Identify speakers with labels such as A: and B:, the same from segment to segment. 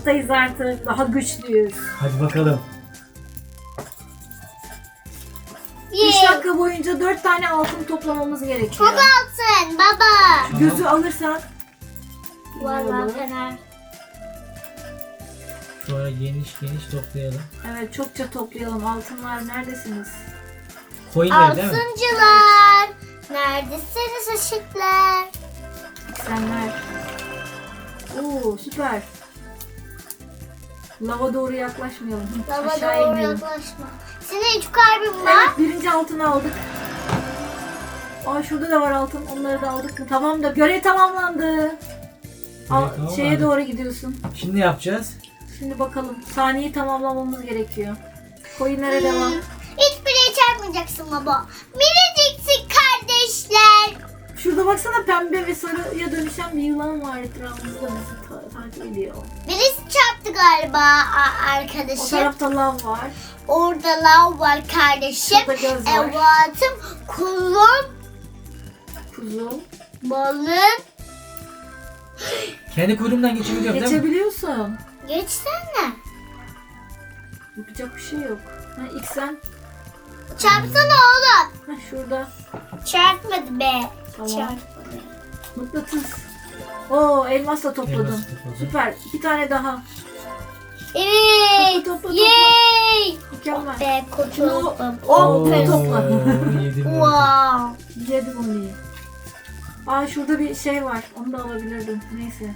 A: hayattayız artık. Daha güçlüyüz.
B: Hadi bakalım.
A: 3 dakika boyunca 4 tane altın toplamamız gerekiyor.
C: Çok altın baba.
A: Gözü alırsak.
C: Vallahi fener.
B: Şöyle geniş geniş toplayalım.
A: Evet, çokça toplayalım. Altınlar neredesiniz?
B: Coinleri değil mi?
C: Altıncılar. Neredesiniz ışıklar?
A: Senler. Oo, süper. Lava doğru yaklaşmayalım.
C: Lava
A: Aşağı
C: doğru
A: inelim.
C: yaklaşma. Senin 3 kalbin var.
A: Evet, birinci altını aldık. Aa, şurada da var altın. Onları da aldık mı? Tamam da görev tamamlandı.
B: Tamamlandı.
A: Şeye doğru gidiyorsun.
B: Şimdi ne yapacağız?
A: Şimdi bakalım. Saniyeyi tamamlamamız gerekiyor. Coinlere devam.
C: Hiçbiriye çarpmayacaksın baba. Miniciksin kardeşler.
A: Şurada baksana, pembe ve sarıya dönüşen bir yılan var etrafımızda. Bizi takip ediyor.
C: Birisi çarptı galiba
A: O
C: arkadaşım.
A: tarafta lav var.
C: Orada lav var kardeşim.
A: Şurada göz var.
C: Evatım, kulum,
A: Kuzu.
C: balım.
B: Kendi kuyruğumdan geçebiliyorum değil mi?
A: Geçebiliyorsun.
C: Geçsene.
A: Yapacak bir şey yok. Ha, ilk sen.
C: Çarpsana oğlum.
A: Ha, şurada.
C: Çarpmadı be.
A: Tamam.
C: Çarpmadı.
A: Mıknatıs. Oo, elmas da topladım.
B: Elmas topladım.
A: Süper. 2 tane daha.
C: Evet.
A: Topla, topla,
C: Yay.
A: Mükemmel.
C: Be kurtuldum.
A: Oo,
C: Aferin.
A: topla.
B: Yedim.
C: Wow.
A: Yedim onu iyi. Aa, şurada bir şey var. Onu da alabilirdim. Neyse.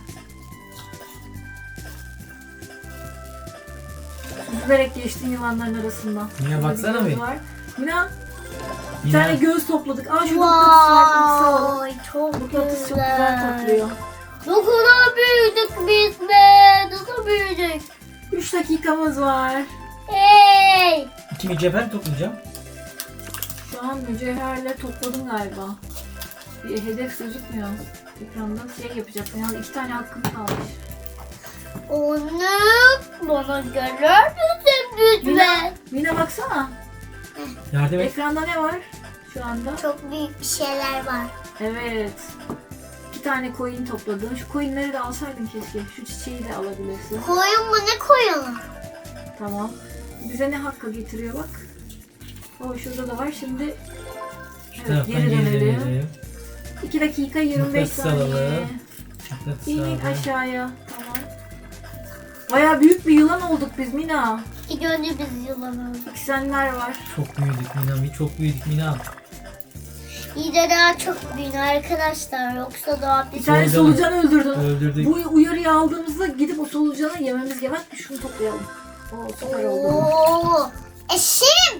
A: Süzülerek geçtin yılanların arasından.
B: Mina,
A: Burada
B: baksana
A: göz
B: bir.
A: var. Mina, bir
B: Mina,
A: tane göz topladık. Aa, şurada mıknatıs var. Mıknatısı alalım.
C: Vay çok
A: Mıknatıs çok
C: güzel.
A: güzel topluyor.
C: Ne kadar büyüdük biz be. Nasıl büyüdük?
A: 3 dakikamız var.
C: Hey.
B: 2 mücevher toplayacağım.
A: Şu an mücevherle topladım galiba. Bir hedef gözükmüyor. Ekranda şey yapacaksın. Yani 2 tane hakkım kalmış.
C: Onu bana görür müsün
A: Mina,
C: lütfen?
A: Mina baksana.
B: Yardım et.
A: Ekranda ne var şu anda?
C: Çok büyük bir şeyler var.
A: Evet. 2 tane coin topladın. Şu coinleri de alsaydın keşke. Şu çiçeği de alabilirsin.
C: Koyun mu ne koyalım?
A: Tamam. Bize ne hakkı getiriyor bak. O şurada da var. Şimdi
B: Şu
A: evet,
B: taraftan
A: geri
B: geri
A: dönelim.
B: dönelim.
A: 2 dakika 25
B: Mıknatıs
A: saniye.
B: alalım. Mıknatıs
A: İn
B: aldım.
A: aşağıya. Tamam. Baya büyük bir yılan olduk biz Mina.
C: İlk önce biz yılan olduk.
A: Eksenler var.
B: Çok büyüdük Mina. Çok büyüdük Mina.
C: İyi de daha çok büyük arkadaşlar. Yoksa daha
A: Bir
C: biz...
A: tane solucan öldürdün.
B: Öldürdük.
A: Bu uyarıyı aldığımızda gidip o solucanı yememiz gerek. Bak, şunu toplayalım. Oo, süper oldu.
C: Oo, eşim.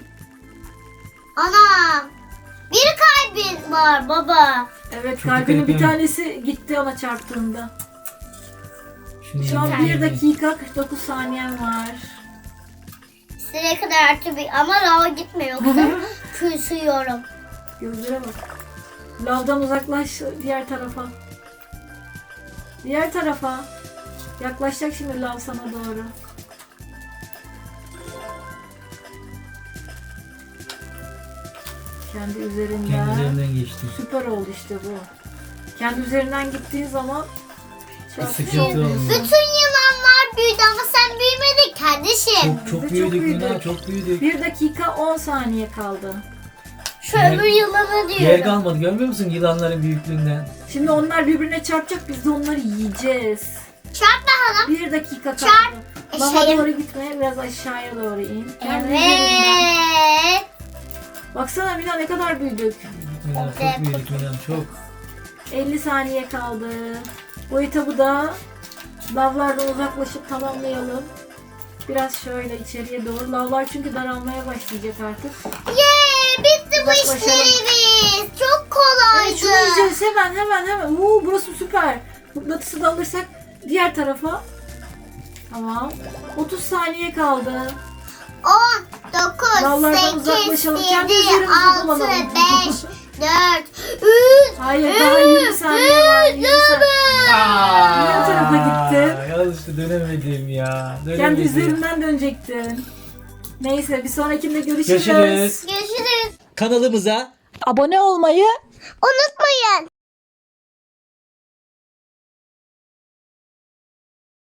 C: Anam. Bir kalbin var baba.
A: Evet,
B: Çok
A: kalbinin bir
B: dikkat
A: tanesi gitti ona çarptığında.
B: Şunu
A: Şu an
B: yiyeyim.
A: 1 dakika 49 saniyen var.
C: Size kadar artı bir ama lava gitme yoksa küsüyorum.
A: Gözlere bak. Lavdan uzaklaş diğer tarafa. Diğer tarafa. Yaklaşacak şimdi lav sana doğru. Kendi üzerinden.
B: Kendi üzerinden geçtim.
A: Süper oldu işte bu. Kendi üzerinden gittiğin zaman
B: Sıkıntı olmuyor.
C: Bütün yılanlar büyüdü ama sen büyümedin kardeşim.
B: Çok
A: Biz de
B: büyüdük
A: çok
B: Mina.
A: büyüdük.
B: Çok büyüdük.
A: 1 dakika 10 saniye kaldı.
C: Şu
B: Yer-
C: öbür yılanı
B: Yer
C: diyorum.
B: kalmadı. Görmüyor musun yılanların büyüklüğünden?
A: Şimdi onlar birbirine çarpacak, biz de onları yiyeceğiz.
C: Çarp bakalım.
A: 1 dakika kaldı.
C: Çarp.
A: Lava
C: Eşeğim.
A: doğru gitme, biraz aşağıya doğru in. Kendi üzerinden.
C: Evet.
A: Baksana Mina, ne kadar büyüdük.
B: Mina
C: Evet.
B: çok büyüdük Mina. Çok.
A: 50 saniye kaldı. Bu etabı da lavlardan uzaklaşıp tamamlayalım. Biraz şöyle içeriye doğru. Lavlar çünkü daralmaya başlayacak artık.
C: Yee, bitti bu
A: Uzaklaşalım.
C: işlerimiz. Çok
A: Evet,
C: kolaydı.
A: şunu yiyeceğiz hemen. Burası süper. Mıknatısı da alırsak diğer tarafa. Tamam. 30 saniye kaldı.
C: 10, 9,
A: Lavlardan
C: 8,
A: uzaklaşalım.
C: 7,
A: Kendi üzerimizi
C: 6,
A: kullanalım.
C: 5, 4, 3,
A: Hayır, daha 20 saniye var. 20 saniye. Diğer tarafa gitti.
B: Yanlışlıkla dönemedim ya.
A: Kendi
B: Dönemedim.
A: üzerinden dönecektin. Neyse, bir sonrakinde görüşürüz.
B: Görüşürüz.
C: görüşürüz.
B: Kanalımıza
A: Abone olmayı
C: Unutmayın.